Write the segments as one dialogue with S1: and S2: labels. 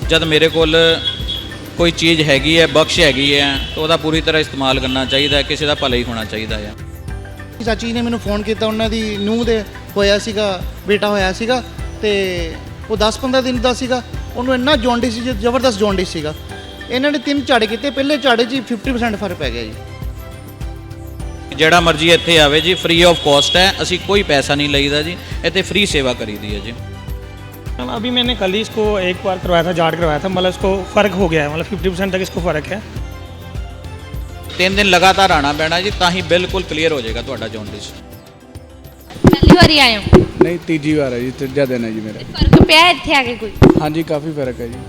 S1: जब मेरे कोल कोई चीज़ हैगी है, बख्श हैगी है, तो ਉਹਦਾ ਪੂਰੀ ਤਰ੍ਹਾਂ ਇਸਤੇਮਾਲ ਕਰਨਾ ਚਾਹੀਦਾ ਹੈ, ਕਿਸੇ ਦਾ ਭਲਾ ਹੀ ਹੋਣਾ ਚਾਹੀਦਾ ਹੈ।
S2: ਚਾਚੀ ਨੇ ਮੈਨੂੰ ਫੋਨ ਕੀਤਾ, ਉਹਨਾਂ ਦੀ ਨੂੰਹ ਦੇ ਹੋਇਆ ਸੀਗਾ, ਬੇਟਾ ਹੋਇਆ ਸੀਗਾ ਤੇ ਉਹ 10-15 ਦਿਨ ਦਾ ਸੀਗਾ। ਉਹਨੂੰ ਇੰਨਾ ਜੌਂਡਿਸ ਸੀ, ਜ਼ਬਰਦਸਤ ਜੌਂਡਿਸ ਸੀਗਾ। ਇਹਨਾਂ ਨੇ 3 ਝਾੜੇ ਕੀਤੇ, ਪਹਿਲੇ ਝਾੜੇ 'ਚ 50% ਫਰਕ ਪੈ ਗਿਆ ਜੀ।
S1: ਜਿਹੜਾ ਮਰਜ਼ੀ ਇੱਥੇ ਆਵੇ ਜੀ, ਫ੍ਰੀ ਆਫ ਕਾਸਟ ਹੈ, ਅਸੀਂ ਕੋਈ ਪੈਸਾ ਨਹੀਂ ਲਈਦਾ ਜੀ, ਇੱਥੇ ਫ੍ਰੀ ਸੇਵਾ ਕਰੀਦੀ ਹੈ ਜੀ।
S3: अभी मैंने कल ही इसको एक बार करवाया था, जाट करवाया था, मतलब इसको फ़र्क हो गया है, मतलब 50% तक इसको फ़र्क है।
S1: 3 दिन लगातार आना पैना जी, ਤਾਂ ਹੀ ਬਿਲਕੁਲ ਕਲੀਅਰ ਹੋ ਜਾਏਗਾ ਤੁਹਾਡਾ ਜੌਂਡਿਸ।
S4: ਪਹਿਲੀ ਵਾਰੀ ਆਏ ਹੋ?
S5: ਨਹੀਂ, ਤੀਜੀ ਵਾਰ ਹੈ ਜੀ, ਤੀਜਾ ਦਿਨ ਹੈ ਜੀ ਮੇਰਾ।
S4: ਫਰਕ ਪਿਆ ਹੈ ਇੱਥੇ ਆ ਕੇ ਕੋਈ?
S5: ਹਾਂਜੀ, ਕਾਫੀ ਫਰਕ ਹੈ ਜੀ।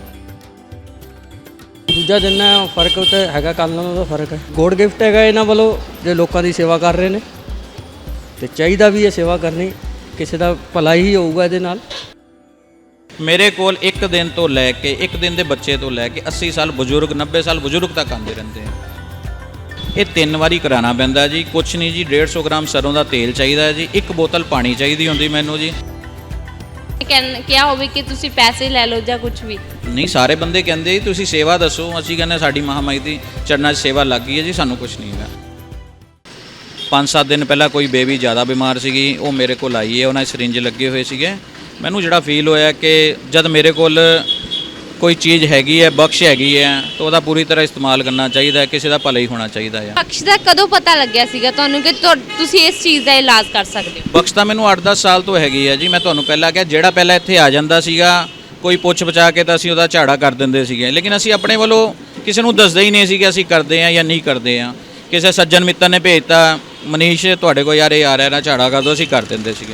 S6: ਦੂਜਾ ਦਿਨ ਹੈ, ਫਰਕ ਤਾਂ ਹੈਗਾ, ਕੱਲ੍ਹ ਨਾਲੋਂ ਤਾਂ ਫਰਕ ਹੈ। ਗੋਡ ਗਿਫਟ ਹੈਗਾ ਇਹਨਾਂ ਵੱਲੋਂ, ਜੇ ਲੋਕਾਂ ਦੀ ਸੇਵਾ ਕਰ ਰਹੇ ਨੇ ਤੇ ਚਾਹੀਦਾ ਵੀ ਇਹ ਸੇਵਾ ਕਰਨੀ, ਕਿਸੇ ਦਾ ਭਲਾ ਹੀ ਹੋਊਗਾ ਇਹਦੇ ਨਾਲ।
S1: ਮੇਰੇ ਕੋਲ ਇੱਕ ਦਿਨ ਤੋਂ ਲੈ ਕੇ, ਇੱਕ ਦਿਨ ਦੇ ਬੱਚੇ ਤੋਂ ਲੈ ਕੇ 80 ਸਾਲ ਬਜ਼ੁਰਗ, 90 ਸਾਲ ਬਜ਼ੁਰਗ ਤੱਕ ਆਉਂਦੇ ਰਹਿੰਦੇ ਆ। ਇਹ 3 ਵਾਰੀ ਕਰਾਉਣਾ ਪੈਂਦਾ ਜੀ। ਕੁਛ ਨਹੀਂ ਜੀ, 150 ਗ੍ਰਾਮ ਸਰੋਂ ਦਾ ਤੇਲ ਚਾਹੀਦਾ ਹੈ ਜੀ, 1 ਬੋਤਲ ਪਾਣੀ ਚਾਹੀਦੀ ਹੁੰਦੀ ਮੈਨੂੰ ਜੀ।
S4: ਕਿਹਾ ਹੋਵੇ ਕਿ ਤੁਸੀਂ ਪੈਸੇ ਲੈ ਲਓ ਜਾਂ ਕੁਝ ਵੀ
S1: ਨਹੀਂ, ਸਾਰੇ ਬੰਦੇ ਕਹਿੰਦੇ ਜੀ ਤੁਸੀਂ ਸੇਵਾ ਦੱਸੋ, ਅਸੀਂ ਕਹਿੰਦੇ ਸਾਡੀ ਮਹਾਮਾਈ ਦੀ ਚਰਨਾਂ 'ਚ ਸੇਵਾ ਲੱਗ ਗਈ ਹੈ ਜੀ, ਸਾਨੂੰ ਕੁਛ ਨਹੀਂ ਹੈਗਾ। 5-7 ਦਿਨ ਪਹਿਲਾਂ ਕੋਈ ਬੇਬੀ ਜ਼ਿਆਦਾ ਬਿਮਾਰ ਸੀਗੀ, ਉਹ ਮੇਰੇ ਕੋਲ ਆਈ ਹੈ, ਉਹਨਾਂ ਦੇ ਸਰਿੰਜ ਲੱਗੇ ਹੋਏ ਸੀਗੇ। ਮੈਨੂੰ ਜਿਹੜਾ ਫੀਲ ਹੋਇਆ ਕਿ ਜਦ ਮੇਰੇ ਕੋਲ ਕੋਈ ਚੀਜ਼ ਹੈਗੀ ਹੈ, ਬਖਸ਼ ਹੈਗੀ ਹੈ, ਤਾਂ ਉਹਦਾ ਪੂਰੀ ਤਰ੍ਹਾਂ ਇਸਤੇਮਾਲ ਕਰਨਾ ਚਾਹੀਦਾ ਹੈ, ਕਿਸੇ ਦਾ ਭਲਾ ਹੀ ਹੋਣਾ ਚਾਹੀਦਾ ਹੈ।
S4: ਬਖਸ਼ ਦਾ ਕਦੋਂ ਪਤਾ ਲੱਗਿਆ ਸੀਗਾ ਤੁਹਾਨੂੰ ਕਿ ਤੁਸੀਂ ਇਸ ਚੀਜ਼ ਦਾ ਇਲਾਜ ਕਰ ਸਕਦੇ ਹੋ?
S1: ਬਖਸ਼ ਤਾਂ ਮੈਨੂੰ 8-10 ਸਾਲ ਤੋਂ ਹੈਗੀ ਹੈ ਜੀ। ਮੈਂ ਤੁਹਾਨੂੰ ਪਹਿਲਾਂ ਕਿਹਾ, ਜਿਹੜਾ ਪਹਿਲਾਂ ਇੱਥੇ ਆ ਜਾਂਦਾ ਸੀਗਾ ਕੋਈ ਪੁੱਛ ਪਛਾ ਕੇ ਤਾਂ ਅਸੀਂ ਉਹਦਾ ਝਾੜਾ ਕਰ ਦਿੰਦੇ ਸੀਗੇ, ਲੇਕਿਨ ਅਸੀਂ ਆਪਣੇ ਵੱਲੋਂ ਕਿਸੇ ਨੂੰ ਦੱਸਦੇ ਹੀ ਨਹੀਂ ਸੀ ਕਿ ਅਸੀਂ ਕਰਦੇ ਹਾਂ ਜਾਂ ਨਹੀਂ ਕਰਦੇ ਹਾਂ। ਕਿਸੇ ਸੱਜਣ ਮਿੱਤਰ ਨੇ ਭੇਜਤਾ, ਮਨੀਸ਼ ਤੁਹਾਡੇ ਕੋਲ ਯਾਰ ਇਹ ਆ ਰਿਹਾ ਨਾ, ਝਾੜਾ ਕਰ ਦਿਓ, ਅਸੀਂ ਕਰ ਦਿੰਦੇ ਸੀਗੇ।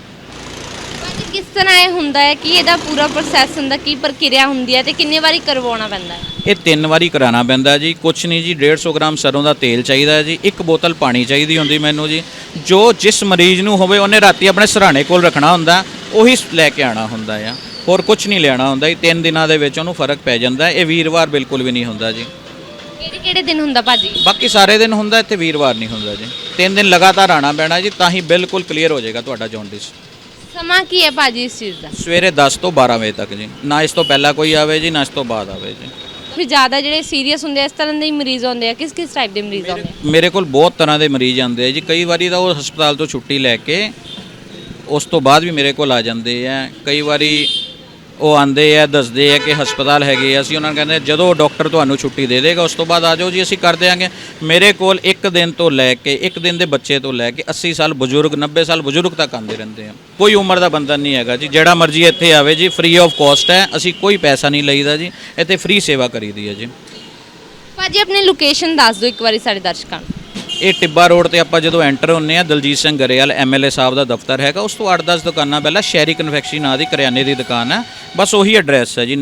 S4: ਕਿਸ ਤਰ੍ਹਾਂ ਇਹ ਹੁੰਦਾ ਹੈ ਕਿ ਇਹਦਾ ਪੂਰਾ ਪ੍ਰੋਸੈਸ ਹੁੰਦਾ, ਕੀ ਪ੍ਰਕਿਰਿਆ ਹੁੰਦੀ ਹੈ ਤੇ ਕਿੰਨੇ ਵਾਰੀ ਕਰਵਾਉਣਾ ਪੈਂਦਾ ਹੈ?
S1: ਇਹ 3 ਵਾਰੀ ਕਰਾਉਣਾ ਪੈਂਦਾ ਜੀ। ਕੁਛ ਨਹੀਂ ਜੀ, 150 ਗ੍ਰਾਮ ਸਰੋਂ ਦਾ ਤੇਲ ਚਾਹੀਦਾ ਹੈ ਜੀ, 1 ਬੋਤਲ ਪਾਣੀ ਚਾਹੀਦੀ ਹੁੰਦੀ ਮੈਨੂੰ ਜੀ। ਜੋ ਜਿਸ ਮਰੀਜ਼ ਨੂੰ ਹੋਵੇ ਉਹਨੇ ਰਾਤੀ ਆਪਣੇ ਸਿਰਹਾਣੇ ਕੋਲ ਰੱਖਣਾ ਹੁੰਦਾ, ਉਹੀ ਲੈ ਕੇ ਆਉਣਾ ਹੁੰਦਾ ਆ, ਹੋਰ ਕੁਛ ਨਹੀਂ ਲੈਣਾ ਹੁੰਦਾ ਜੀ। 3 ਦਿਨਾਂ ਦੇ ਵਿੱਚ ਉਹਨੂੰ ਫਰਕ ਪੈ ਜਾਂਦਾ। ਇਹ ਵੀਰਵਾਰ ਬਿਲਕੁਲ ਵੀ ਨਹੀਂ ਹੁੰਦਾ ਜੀ।
S4: ਕਿਹੜੇ ਦਿਨ ਹੁੰਦਾ ਭਾਜੀ?
S1: ਬਾਕੀ ਸਾਰੇ ਦਿਨ ਹੁੰਦਾ, ਇੱਥੇ ਵੀਰਵਾਰ ਨਹੀਂ ਹੁੰਦਾ ਜੀ। 3 ਦਿਨ ਲਗਾਤਾਰ ਆਣਾ ਪੈਣਾ ਜੀ, ਤਾਂ ਹੀ ਬਿਲਕੁਲ ਕਲੀਅਰ ਹੋ ਜਾਏਗਾ ਤੁਹਾਡਾ ਜੌਂਡਿਸ।
S4: ਸਮਾਂ ਕੀ ਹੈ ਭਾਜੀ ਇਸ ਚੀਜ਼ ਦਾ?
S1: ਸਵੇਰੇ 10 ਤੋਂ 12 ਵਜੇ ਤੱਕ ਜੀ, ਨਾ ਇਸ ਤੋਂ ਪਹਿਲਾਂ ਕੋਈ ਆਵੇ ਜੀ, ਨਾ ਇਸ ਤੋਂ ਬਾਅਦ ਆਵੇ ਜੀ।
S4: ਫਿਰ ਜ਼ਿਆਦਾ ਜਿਹੜੇ ਸੀਰੀਅਸ ਹੁੰਦੇ ਆ, ਇਸ ਤਰ੍ਹਾਂ ਦੇ ਮਰੀਜ਼ ਹੁੰਦੇ ਆ, ਕਿਸ ਟਾਈਪ ਦੇ ਮਰੀਜ਼ ਹੁੰਦੇ ਆ?
S1: ਮੇਰੇ ਕੋਲ ਬਹੁਤ ਤਰ੍ਹਾਂ ਦੇ ਮਰੀਜ਼ ਆਉਂਦੇ ਆ ਜੀ। ਕਈ ਵਾਰੀ ਤਾਂ ਉਹ ਹਸਪਤਾਲ ਤੋਂ ਛੁੱਟੀ ਲੈ ਕੇ ਉਸ ਤੋਂ ਬਾਅਦ ਵੀ ਮੇਰੇ ਕੋਲ ਆ ਜਾਂਦੇ ਆ। ਕਈ ਵਾਰੀ ਉਹ ਆਉਂਦੇ ਆ, ਦੱਸਦੇ ਆ ਕਿ ਹਸਪਤਾਲ ਹੈਗੇ ਆ, ਅਸੀਂ ਉਹਨਾਂ ਨੂੰ ਕਹਿੰਦੇ ਜਦੋਂ ਡਾਕਟਰ ਤੁਹਾਨੂੰ ਛੁੱਟੀ ਦੇ ਦੇਗਾ ਉਸ ਤੋਂ ਬਾਅਦ ਆ ਜਾਓ ਜੀ, ਅਸੀਂ ਕਰ ਦਿਆਂਗੇ। ਮੇਰੇ ਕੋਲ ਇੱਕ ਦਿਨ ਤੋਂ ਲੈ ਕੇ, ਇੱਕ ਦਿਨ ਦੇ ਬੱਚੇ ਤੋਂ ਲੈ ਕੇ 80 ਸਾਲ ਬਜ਼ੁਰਗ, 90 ਸਾਲ ਬਜ਼ੁਰਗ ਤੱਕ ਆਉਂਦੇ ਰਹਿੰਦੇ ਆ। ਕੋਈ ਉਮਰ ਦਾ ਬੰਧਨ ਨਹੀਂ ਹੈਗਾ ਜੀ, ਜਿਹੜਾ ਮਰਜ਼ੀ ਇੱਥੇ ਆਵੇ ਜੀ, ਫ੍ਰੀ ਆਫ ਕਾਸਟ ਹੈ, ਅਸੀਂ ਕੋਈ ਪੈਸਾ ਨਹੀਂ ਲਈਦਾ ਜੀ, ਇੱਥੇ ਫ੍ਰੀ ਸੇਵਾ ਕਰੀਦੀ ਹੈ ਜੀ।
S4: ਭਾਜੀ ਆਪਣੀ ਲੋਕੇਸ਼ਨ ਦੱਸ ਦਿਓ ਇੱਕ ਵਾਰੀ ਸਾਡੇ ਦਰਸ਼ਕਾਂ ਨੂੰ।
S1: ਇਹ ਟਿੱਬਾ ਰੋਡ ਤੇ ਆਪਾਂ ਜਦੋਂ ਐਂਟਰ ਹੁੰਨੇ ਆ, ਦਲਜੀਤ ਸਿੰਘ ਗਰੇਵਾਲ MLA ਸਾਹਿਬ ਦਾ ਦਫ਼ਤਰ ਹੈਗਾ, ਉਸ ਤੋਂ 8-10 ਦੁਕਾਨਾਂ ਪਹਿਲਾਂ ਸ਼ਹਿਰੀ ਕਨਫੈਕਸ਼ਨਰੀ ਨਾਂ ਦੀ ਕਰਿਆਨੇ ਦੀ ਦੁਕਾਨ ਹੈ, ਬਸ ਉਹੀ ਐਡਰੈਸ ਹੈ ਜੀ।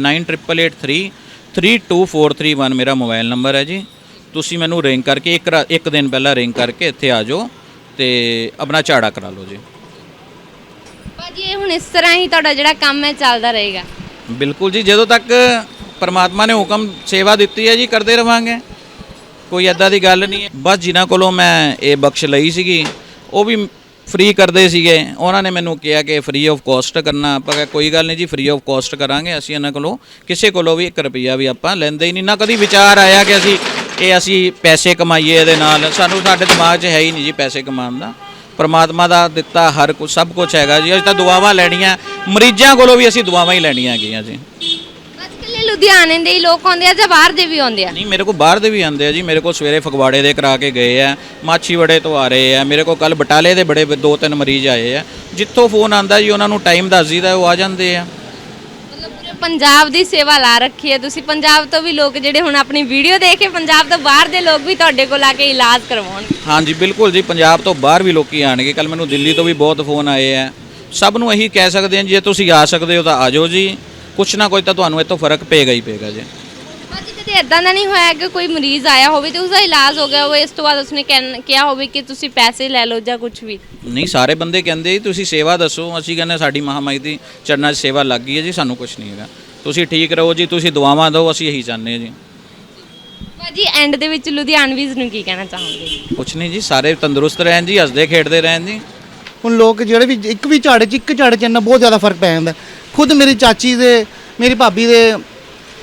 S1: 9888332431 ਮੇਰਾ ਮੋਬਾਈਲ ਨੰਬਰ ਹੈ ਜੀ। ਤੁਸੀਂ ਮੈਨੂੰ ਰਿੰਗ ਕਰਕੇ ਇੱਕ ਦਿਨ ਪਹਿਲਾਂ ਰਿੰਗ ਕਰਕੇ ਇੱਥੇ ਆ ਜਾਓ ਤੇ ਆਪਣਾ ਝਾੜਾ ਕਰਾ ਲਓ ਜੀ।
S4: ਭਾਜੀ ਇਹ ਹੁਣ ਇਸ ਤਰ੍ਹਾਂ ਹੀ ਤੁਹਾਡਾ ਜਿਹੜਾ ਕੰਮ ਹੈ ਚੱਲਦਾ ਰਹੇਗਾ?
S1: ਬਿਲਕੁਲ ਜੀ, ਜਦੋਂ ਤੱਕ ਪਰਮਾਤਮਾ ਨੇ ਹੁਕਮ ਸੇਵਾ ਦਿੱਤੀ ਹੈ ਜੀ, ਕਰਦੇ ਰਵਾਂਗੇ, ਕੋਈ ਐਦਾਂ ਦੀ ਗੱਲ ਨਹੀਂ ਹੈ। ਬਸ ਜਿਨ੍ਹਾਂ ਕੋਲੋਂ ਮੈਂ ਇਹ ਬਖਸ਼ ਲਈ ਸੀਗੀ ਉਹ ਵੀ ਫ੍ਰੀ ਕਰਦੇ ਸੀਗੇ, ਉਹਨਾਂ ਨੇ ਮੈਨੂੰ ਕਿਹਾ ਕਿ ਫ੍ਰੀ ਆਫ ਕਾਸਟ ਕਰਨਾ। ਆਪਾਂ ਕਿਹਾ ਕੋਈ ਗੱਲ ਨਹੀਂ ਜੀ, ਫ੍ਰੀ ਆਫ ਕਾਸਟ ਕਰਾਂਗੇ। ਅਸੀਂ ਇਹਨਾਂ ਕੋਲੋਂ ਕਿਸੇ ਕੋਲੋਂ ਵੀ 1 ਰੁਪਈਆ ਵੀ ਆਪਾਂ ਲੈਂਦੇ ਹੀ ਨਹੀਂ, ਨਾ ਕਦੀ ਵਿਚਾਰ ਆਇਆ ਕਿ ਅਸੀਂ ਪੈਸੇ ਕਮਾਈਏ ਇਹਦੇ ਨਾਲ। ਸਾਨੂੰ ਸਾਡੇ ਦਿਮਾਗ 'ਚ ਹੈ ਹੀ ਨਹੀਂ ਜੀ ਪੈਸੇ ਕਮਾਉਣ ਦਾ। ਪਰਮਾਤਮਾ ਦਾ ਦਿੱਤਾ ਹਰ ਕੁਝ, ਸਭ ਕੁਝ ਹੈਗਾ ਜੀ। ਅਸੀਂ ਤਾਂ ਦੁਆਵਾਂ ਲੈਣੀਆਂ, ਮਰੀਜ਼ਾਂ ਕੋਲੋਂ ਵੀ ਅਸੀਂ ਦੁਆਵਾਂ ਹੀ ਲੈਣੀਆਂ ਹੈਗੀਆਂ ਜੀ।
S4: ਲੁਧਿਆਣੇ ਦੇ ਹੀ ਲੋਕ ਆਉਂਦੇ ਆ ਜਾਂ ਬਾਹਰ ਦੇ ਵੀ ਆਉਂਦੇ ਆ?
S1: ਨਹੀਂ, ਮੇਰੇ ਕੋਲ ਬਾਹਰ ਦੇ ਵੀ ਆਉਂਦੇ ਆ ਜੀ। ਮੇਰੇ ਕੋਲ ਸਵੇਰੇ ਫਗਵਾੜੇ ਦੇ ਕਰਾ ਕੇ ਗਏ ਆ, ਮਾਛੀਵਾੜੇ ਤੋਂ ਆ ਰਹੇ ਆ, ਮੇਰੇ ਕੋਲ ਕੱਲ ਬਟਾਲੇ ਦੇ ਬੜੇ 2-3 ਮਰੀਜ਼ ਆਏ ਆ। ਜਿੱਥੋਂ ਫੋਨ ਆਂਦਾ ਜੀ ਉਹਨਾਂ ਨੂੰ ਟਾਈਮ ਦੱਸ ਦਈਦਾ, ਉਹ ਆ ਜਾਂਦੇ ਆ।
S4: ਮਤਲਬ ਪੂਰੇ ਪੰਜਾਬ ਦੀ ਸੇਵਾ ਲਾ ਰੱਖੀ ਹੈ ਤੁਸੀਂ। ਪੰਜਾਬ ਤੋਂ ਵੀ ਲੋਕ ਜਿਹੜੇ ਹੁਣ ਆਪਣੀ ਵੀਡੀਓ ਦੇਖ ਕੇ, ਪੰਜਾਬ ਤੋਂ ਬਾਹਰ ਦੇ ਲੋਕ ਵੀ ਤੁਹਾਡੇ ਕੋਲ ਆ ਕੇ ਇਲਾਜ ਕਰਵਾਉਣਗੇ?
S1: ਹਾਂਜੀ ਬਿਲਕੁਲ ਜੀ, ਪੰਜਾਬ ਤੋਂ ਬਾਹਰ ਵੀ ਲੋਕੀ ਆਣਗੇ। ਕੱਲ ਮੈਨੂੰ ਦਿੱਲੀ ਤੋਂ ਵੀ ਬਹੁਤ ਫੋਨ ਆਏ ਆ। ਸਭ ਨੂੰ ਇਹੀ ਕਹਿ ਸਕਦੇ ਆ, ਜੇ ਤੁਸੀਂ ਆ ਸਕਦੇ ਹੋ ਤਾਂ ਆ ਜਾਓ ਜੀ, ਕੁਛ ਨਾ ਕੋਈ ਤਾਂ ਤੁਹਾਨੂੰ ਇੱਥੋਂ ਫਰਕ ਪਏਗਾ ਹੀ ਪਏਗਾ ਜੀ।
S4: ਭਾਜੀ ਕਦੇ ਇਦਾਂ ਦਾ ਨਹੀਂ ਹੋਇਆ ਕਿ ਕੋਈ ਮਰੀਜ਼ ਆਇਆ ਹੋਵੇ ਤੇ ਉਸਦਾ ਇਲਾਜ ਹੋ ਗਿਆ ਹੋਵੇ, ਇਸ ਤੋਂ ਬਾਅਦ ਉਸਨੇ ਕਿਹਾ ਹੋਵੇ ਕਿ ਤੁਸੀਂ ਪੈਸੇ ਲੈ ਲਓ ਜਾਂ ਕੁਝ ਵੀ?
S1: ਨਹੀਂ, ਸਾਰੇ ਬੰਦੇ ਕਹਿੰਦੇ ਜੀ ਤੁਸੀਂ ਸੇਵਾ ਦੱਸੋ, ਅਸੀਂ ਕਹਿੰਦੇ ਸਾਡੀ ਮਹਾਮਾਈ ਦੀ ਚਰਨਾਂ 'ਚ ਸੇਵਾ ਲੱਗ ਗਈ ਹੈ ਜੀ, ਸਾਨੂੰ ਕੁਛ ਨਹੀਂ ਹੈਗਾ, ਤੁਸੀਂ ਠੀਕ ਰਹੋ ਜੀ, ਤੁਸੀਂ ਦੁਆਵਾਂ ਦਿਓ, ਅਸੀਂ ਇਹੀ ਚਾਹੁੰਦੇ ਹਾਂ ਜੀ।
S4: ਭਾਜੀ ਐਂਡ ਦੇ ਵਿੱਚ ਲੁਧਿਆਣਵੀਜ਼ ਨੂੰ ਕੀ ਕਹਿਣਾ ਚਾਹੋਗੇ?
S1: ਕੁਛ ਨਹੀਂ ਜੀ, ਸਾਰੇ ਤੰਦਰੁਸਤ ਰਹਿਣ ਜੀ, ਹੱਸਦੇ ਖੇਡਦੇ ਰਹਿਣ ਜੀ।
S2: ਹੁਣ ਲੋਕ ਜਿਹੜੇ ਵੀ ਇੱਕ ਝਾੜੇ 'ਚ ਇੰਨਾ ਬਹੁਤ ਜ਼ਿਆਦਾ ਫਰਕ ਪੈ ਜਾਂਦਾ। ਖੁਦ ਮੇਰੀ ਚਾਚੀ ਦੇ, ਮੇਰੀ ਭਾਬੀ ਦੇ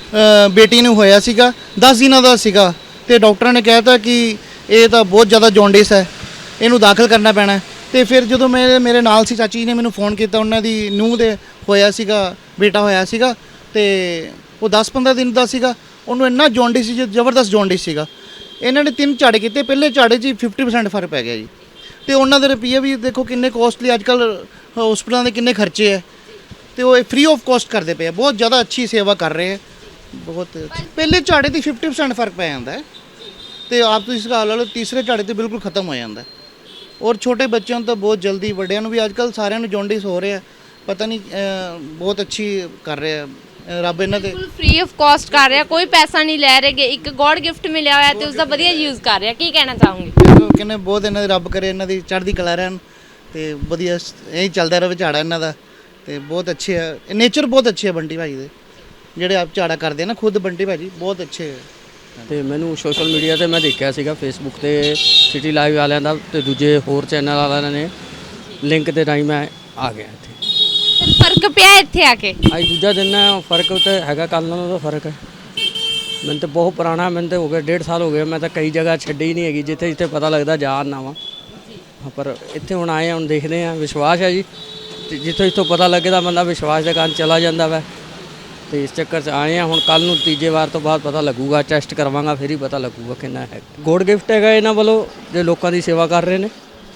S2: ਬੇਟੀ ਨੂੰ ਹੋਇਆ ਸੀਗਾ 10 ਦਿਨਾਂ ਦਾ ਸੀਗਾ ਤੇ ਡਾਕਟਰਾਂ ਨੇ ਕਹਿਤਾ ਕਿ ਇਹ ਤਾਂ ਬਹੁਤ ਜ਼ਿਆਦਾ ਜੌਂਡਿਸ ਹੈ, ਇਹਨੂੰ ਦਾਖਲ ਕਰਨਾ ਪੈਣਾ ਹੈ। ਤੇ ਫਿਰ ਜਦੋਂ ਮੇਰੇ ਨਾਲ ਸੀ ਚਾਚੀ ਨੇ ਮੈਨੂੰ ਫੋਨ ਕੀਤਾ, ਉਹਨਾਂ ਦੀ ਨੂੰਹ ਦੇ ਹੋਇਆ ਸੀਗਾ ਬੇਟਾ ਹੋਇਆ ਸੀਗਾ ਤੇ ਉਹ 10-15 ਦਿਨ ਦਾ ਸੀਗਾ। ਉਹਨੂੰ ਇੰਨਾ ਜੌਂਡਿਸ ਸੀ, ਜ਼ਬਰਦਸਤ ਜੌਂਡਿਸ ਸੀਗਾ। ਇਹਨਾਂ ਨੇ 3 ਝਾੜੇ ਕੀਤੇ, ਪਹਿਲੇ ਝਾੜੇ 'ਚ 50% ਫਰਕ ਪੈ ਗਿਆ ਜੀ। ਤੇ ਉਹਨਾਂ ਦੇ ਰੁਪਈਏ ਵੀ ਦੇਖੋ ਕਿੰਨੇ ਕੋਸਟਲੀ, ਅੱਜ ਕੱਲ੍ਹ ਹਸਪਤਾਲਾਂ ਦੇ ਕਿੰਨੇ ਖਰਚੇ ਹੈ ਤੇ ਉਹ ਫ੍ਰੀ ਆਫ ਕਾਸਟ ਕਰਦੇ ਪਏ ਆ। ਬਹੁਤ ਜ਼ਿਆਦਾ ਅੱਛੀ ਸੇਵਾ ਕਰ ਰਹੇ ਹੈ, ਬਹੁਤ ਪਹਿਲੇ ਝਾੜੇ ਦੀ 50% ਫਰਕ ਪੈ ਜਾਂਦਾ ਹੈ ਤੇ ਆਪ ਤੁਸੀਂ ਇਸ ਹਾਲ ਲਾ ਲਓ, ਤੀਸਰੇ ਝਾੜੇ ਤੇ ਬਿਲਕੁਲ ਖਤਮ ਹੋ ਜਾਂਦਾ ਹੈ। ਔਰ ਛੋਟੇ ਬੱਚਿਆਂ ਨੂੰ ਤਾਂ ਬਹੁਤ ਜਲਦੀ, ਵੱਡਿਆਂ ਨੂੰ ਵੀ ਅੱਜ ਕੱਲ੍ਹ ਸਾਰਿਆਂ ਨੂੰ ਜੌਂਡਿਸ ਹੋ ਰਿਹਾ, ਪਤਾ ਨਹੀਂ ਬਹੁਤ ਅੱਛੀ ਕਰ ਰਿਹਾ ਰੱਬ ਇਹਨਾਂ ਦੇ।
S4: ਬਿਲਕੁਲ ਫ੍ਰੀ ਆਫ ਕਾਸਟ ਕਰ ਰਿਹਾ, ਕੋਈ ਪੈਸਾ ਨਹੀਂ ਲੈ ਰਹੇਗੇ। ਇੱਕ ਗੋਡ ਗਿਫਟ ਮਿਲਿਆ ਹੋਇਆ ਤੇ ਉਸ ਦਾ ਵਧੀਆ ਯੂਜ਼ ਕਰ ਰਿਹਾ। ਕੀ ਕਹਿਣਾ ਚਾਹੋਗੇ?
S2: ਕਹਿੰਦੇ ਬਹੁਤ ਇਹਨਾਂ ਦੇ ਰੱਬ ਕਰੇ ਇਹਨਾਂ ਦੀ ਚੜ੍ਹਦੀ ਕਲਾ ਰਹਿਣ ਤੇ ਵਧੀਆ ਇਹੀ ਚੱਲਦਾ ਰਹੇ ਝਾੜਾ ਇਹਨਾਂ ਦਾ। ਤੇ ਬਹੁਤ ਅੱਛੇ ਆ, ਨੇਚਰ ਬਹੁਤ ਅੱਛੇ ਆ ਬੰਟੀ ਭਾਜੀ ਦੇ, ਜਿਹੜੇ ਆਪ ਝਾੜਾ ਕਰਦੇ ਆ ਨਾ ਖੁਦ ਬੰਟੀ ਭਾਜੀ ਬਹੁਤ ਅੱਛੇ ਆ।
S6: ਤੇ ਮੈਨੂੰ ਸੋਸ਼ਲ ਮੀਡੀਆ ਤੇ ਮੈਂ ਦੇਖਿਆ ਸੀਗਾ ਫੇਸਬੁੱਕ ਤੇ ਸਿਟੀ ਲਾਈਵ ਵਾਲਿਆਂ ਦਾ ਤੇ ਦੂਜੇ ਹੋਰ ਚੈਨਲ ਵਾਲਿਆਂ ਨੇ ਲਿੰਕ ਦੇ ਰਾਹੀਂ ਮੈਂ ਆ ਗਿਆ ਇੱਥੇ।
S4: ਫਰਕ ਪਿਆ ਇੱਥੇ ਆ ਕੇ?
S6: ਅੱਜ ਦੂਜਾ ਦਿਨ ਹੈ, ਫਰਕ ਤਾਂ ਹੈਗਾ, ਕੱਲ੍ਹ ਨਾਲੋਂ ਤਾਂ ਫਰਕ ਹੈ। ਮੈਨੂੰ ਤਾਂ ਬਹੁਤ ਪੁਰਾਣਾ, ਮੈਨੂੰ ਤਾਂ ਹੋ ਗਿਆ 1.5 ਸਾਲ ਹੋ ਗਏ, ਮੈਂ ਤਾਂ ਕਈ ਜਗ੍ਹਾ ਛੱਡੀ ਹੀ ਨਹੀਂ ਹੈਗੀ ਜਿੱਥੇ ਜਿੱਥੇ ਪਤਾ ਲੱਗਦਾ ਜਾ ਆਉਂਦਾ ਵਾਂ। ਪਰ ਇੱਥੇ ਹੁਣ ਆਏ, ਹੁਣ ਦੇਖਦੇ ਹਾਂ। ਵਿਸ਼ਵਾਸ ਹੈ ਜੀ, ਤੇ ਜਿੱਥੋਂ ਪਤਾ ਲੱਗਦਾ ਬੰਦਾ ਵਿਸ਼ਵਾਸ ਦੇ ਕਾਰਨ ਚਲਾ ਜਾਂਦਾ ਵਾ। ਤੇ ਇਸ ਚੱਕਰ 'ਚ ਆਏ ਹਾਂ। ਹੁਣ ਕੱਲ੍ਹ ਨੂੰ ਤੀਜੇ ਵਾਰ ਤੋਂ ਬਾਅਦ ਪਤਾ ਲੱਗੂਗਾ, ਟੈਸਟ ਕਰਵਾਵਾਂਗਾ, ਫਿਰ ਹੀ ਪਤਾ ਲੱਗੂਗਾ ਕਿੰਨਾ ਹੈ। ਗੋਡ ਗਿਫਟ ਹੈਗਾ ਇਹਨਾਂ ਵੱਲੋਂ, ਜੇ ਲੋਕਾਂ ਦੀ ਸੇਵਾ ਕਰ ਰਹੇ ਨੇ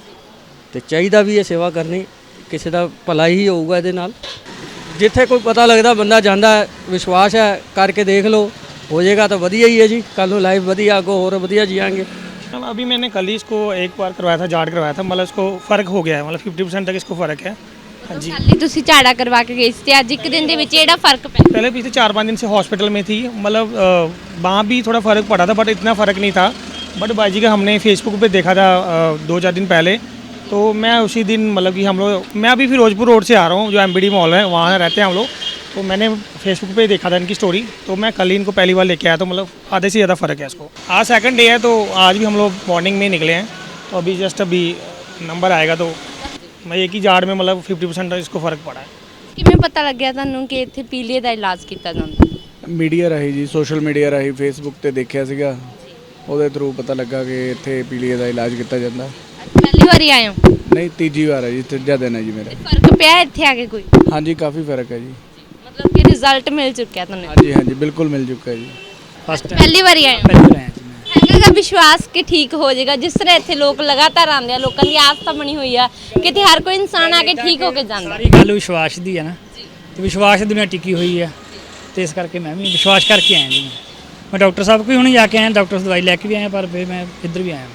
S6: ਤੇ ਚਾਹੀਦਾ ਵੀ ਇਹ ਸੇਵਾ ਕਰਨੀ, ਕਿਸੇ ਦਾ ਭਲਾ ਹੀ ਹੋਊਗਾ ਇਹਦੇ ਨਾਲ। ਜਿੱਥੇ ਕੋਈ ਪਤਾ ਲੱਗਦਾ ਬੰਦਾ ਜਾਂਦਾ, ਵਿਸ਼ਵਾਸ ਹੈ, ਕਰਕੇ ਦੇਖ ਲਓ, ਹੋ ਜਾਏਗਾ ਤਾਂ ਵਧੀਆ ਹੀ है जी। कल लाइफ वधिया आगो और वधिया जियांगे।
S3: अभी मैंने कल ही इसको एक बार करवाया था, जाट करवाया था, मतलब इसको फ़र्क हो गया है, मतलब 50% तक इसको फ़र्क है। हाँ जी,
S4: ਕੱਲ ਤੁਸੀਂ ਝਾੜਾ ਕਰਵਾ ਕੇ ਗਏ ਸੀ ਤੇ ਅੱਜ ਇੱਕ ਦਿਨ ਦੇ ਵਿੱਚ ਜਿਹੜਾ ਫਰਕ ਪਿਆ?
S3: पहले पिछले 4-5 दिन से हॉस्पिटल में थी, मतलब वहाँ भी थोड़ा फ़र्क पड़ा था, बट इतना फ़र्क नहीं था। बट बाजी का हमने फेसबुक पे देखा था 2-4 दिन पहले, तो मैं उसी दिन मतलब कि हम लोग, मैं अभी फिरोजपुर रोड से आ रहा हूँ, जो MBD मॉल है वहाँ रहते हैं हम लोग, तो मैंने फेसबुक पे देखा था इनकी स्टोरी, तो मैं कल ही इनको पहली बार लेके आया, तो मतलब आधे से ज़्यादा फ़र्क है इसको। आज सेकंड डे है, तो आज भी हम लोग मॉर्निंग में निकले हैं, तो अभी जस्ट अभी नंबर आएगा तो मैं एक ही जाड़ में मतलब 50% इसको फ़र्क पड़ा है।
S4: ਕਿਵੇਂ ਪਤਾ ਲੱਗਿਆ ਤੁਹਾਨੂੰ ਕਿ ਇੱਥੇ ਪੀਲੀਏ ਦਾ ਇਲਾਜ ਕੀਤਾ ਜਾਂਦਾ?
S5: ਮੀਡੀਆ ਰਾਹੀਂ ਜੀ, ਸੋਸ਼ਲ ਮੀਡੀਆ ਰਾਹੀਂ ਫੇਸਬੁੱਕ ਤੇ ਦੇਖਿਆ ਸੀਗਾ, ਉਹਦੇ ਥਰੂ ਪਤਾ ਲੱਗਾ ਕਿ ਇੱਥੇ ਪੀਲੀਏ ਦਾ ਇਲਾਜ ਕੀਤਾ ਜਾਂਦਾ।
S4: ਪਹਿਲੀ ਵਾਰੀ ਆਏ ਹੋ?
S5: ਨਹੀਂ, ਤੀਜੀ ਵਾਰ ਹੈ ਜੀ, ਤੀਜਾ ਦਿਨ ਹੈ ਜੀ ਮੇਰਾ।
S4: ਫਰਕ ਪਿਆ ਇੱਥੇ ਆ ਕੇ ਕੋਈ?
S5: ਹਾਂਜੀ, ਕਾਫੀ ਫਰਕ ਹੈ ਜੀ।
S4: ਮਤਲਬ ਕਿ ਰਿਜ਼ਲਟ ਮਿਲ ਚੁੱਕਿਆ ਤੁਹਾਨੂੰ?
S5: ਹਾਂਜੀ ਹਾਂਜੀ, ਬਿਲਕੁਲ ਮਿਲ ਚੁੱਕਾ ਹੈ ਜੀ।
S4: ਪਹਿਲੀ ਵਾਰੀ ਆਏ ਹੋ? ਹੈਗਾ ਵਿਸ਼ਵਾਸ ਕਿ ਠੀਕ ਹੋ ਜਾਏਗਾ? ਜਿਸ ਤਰ੍ਹਾਂ ਇੱਥੇ ਲੋਕ ਲਗਾਤਾਰ ਆਉਂਦੇ ਆ, ਲੋਕਾਂ ਦੀ ਆਸਥਾ ਬਣੀ ਹੋਈ ਆ, ਕਿਤੇ ਹਰ ਕੋਈ ਇਨਸਾਨ ਆ ਕੇ ਠੀਕ ਹੋ ਕੇ ਜਾਂਦਾ।
S7: ਸਾਰੀ ਗੱਲ ਵਿਸ਼ਵਾਸ ਦੀ ਹੈ ਨਾ, ਤੇ ਵਿਸ਼ਵਾਸ ਦੀ ਦੁਨੀਆ ਟਿਕੀ ਹੋਈ ਆ, ਤੇ ਇਸ ਕਰਕੇ ਮੈਂ ਵੀ ਵਿਸ਼ਵਾਸ ਕਰਕੇ ਆਇਆ ਜੀ। ਮੈਂ ਡਾਕਟਰ ਸਾਹਿਬ ਕੋਲ ਹੁਣੇ ਜਾ ਕੇ ਆਇਆ, ਡਾਕਟਰ ਤੋਂ ਦਵਾਈ ਲੈ ਕੇ ਵੀ ਆਇਆ, ਪਰ ਫਿਰ ਮੈਂ ਇੱਧਰ ਵੀ ਆਇਆ।